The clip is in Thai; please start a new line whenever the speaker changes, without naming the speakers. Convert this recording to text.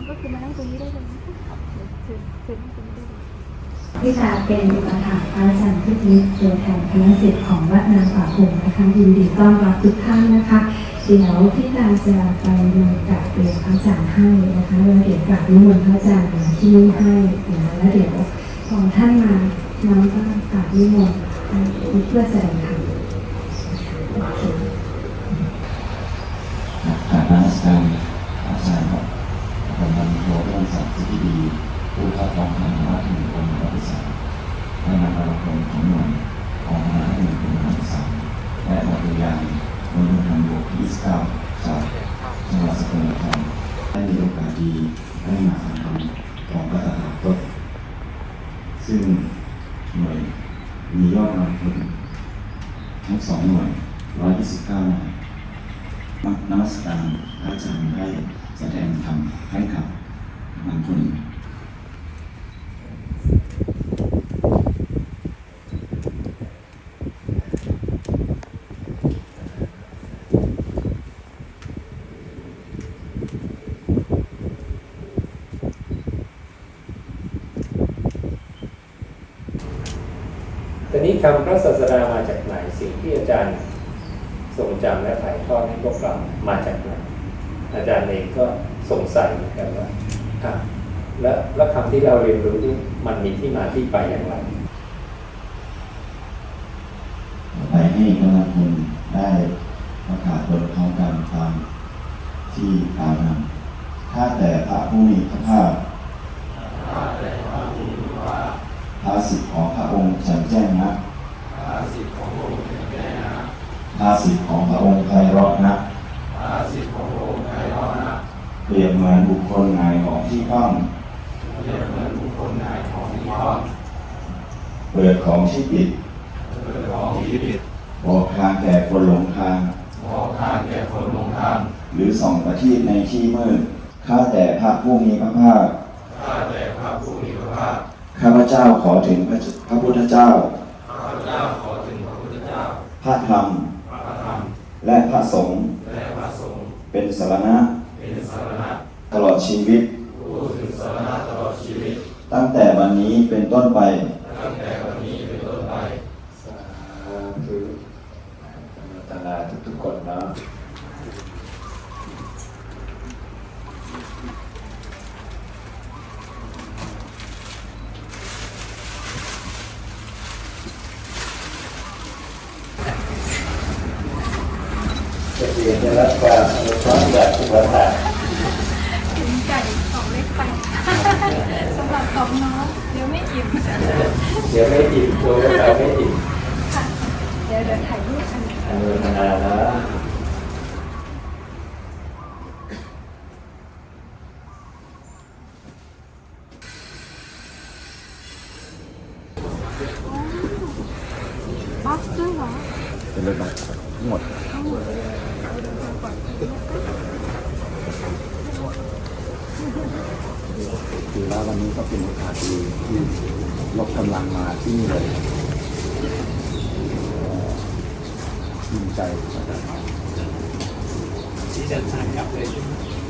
ก็คือมานั่งตรงนี้ได้เลยนะคะเชิญนั่งตรงนี้ได้เลย
ที่จะเป็นอุปถัมภ์พระอาจารย์พิจิตรตัวแทนคณะศิษย์ของวัดนางป่าพงนะคะยินดีต้อนรับทุกท่านนะคะเดี๋ยวพี่ตาจะไปนำกราบเรียนพระอาจารย์ให้นะคะแล้วเดี๋ยวกราบนิมนต์พระอาจารย์ที่นี่ให้นะแล้วเดี๋ยวพอท่านมาน้องก็กราบนิมนต์เพื่อแสดงธรรม
กราบนมัสการอาจารย์ครับกำลังโปรเรื่องสัตว์ที่ดีผู้เข้าฟังธรรมะที่มีองค์พระพุทธเจ้าให้นำเอาคนของหน่วยออกมาให้เป็นคำสั่งและบทเรียนบนทางบวกที่29จากจังหวัดสกลนครได้มีโอกาสดีได้มาฟังธรรมของพระตถาคตซึ่งหน่วยมียอดกำลังคนทั้ง2หน่วย129นายนมัสการพระอาจารย์ได้แสดงธรรมให้กับมันคน
ตอนนี้คำพระศาสดามาจากไหนสิ่งที่อาจารย์ทรงจำและถ่ายทอดให้พวกเรามาจากไหนอาจารย์เองก็สงสัยเหมือนกันว่าแล้วคำที่เราเรียนรู้นี่มันมีที่มาที่ไปอย่างไร
ไปให้กำลังคนได้ประกาศบนท้องการตามที่กล่าวนำถ้าแต่พระผู้มีพระภาคภาสิทธิ์ของพระองค์แจ่มแจ้งนะภาสิทธิ์ของพระองค์ไพเราะนะเปรียบเหมือนบุคคลหงายของที่คว่ำเปิดของที่ปิดบอกทางแก่คนหลงทางหรือส่องประทีปในที่มืดข้าแต่พระผู้มีพระภาคข้าพเจ้าขอถึงพระพุทธเจ้าพระธรรมและพระสงฆ์เป็นสรณะตลอดชีวิตตั้งแต่วันนี้เป็นต้นไป
คือตนาทุกคนนะจะเรียนจะรับความอนุเคราะห์จากอุปถาก
ถึงไก่2เล็กไปสำหรับ2น้องเดี๋ยวไม่อิ่ม
ตัวเราไม่อิ่ม
ค่ะเดี๋ยวถ่ายรูปกัน
อนุโมทนานะ
บ็อกซ์ด้วยเหรอ
เป็นรถบัสทั้งหมดถือว่าวันนี้ก็เป็นโอกาสดีที่ยกกำลังมาที่นี่เลยดีใจที่เดินทางกลับเลย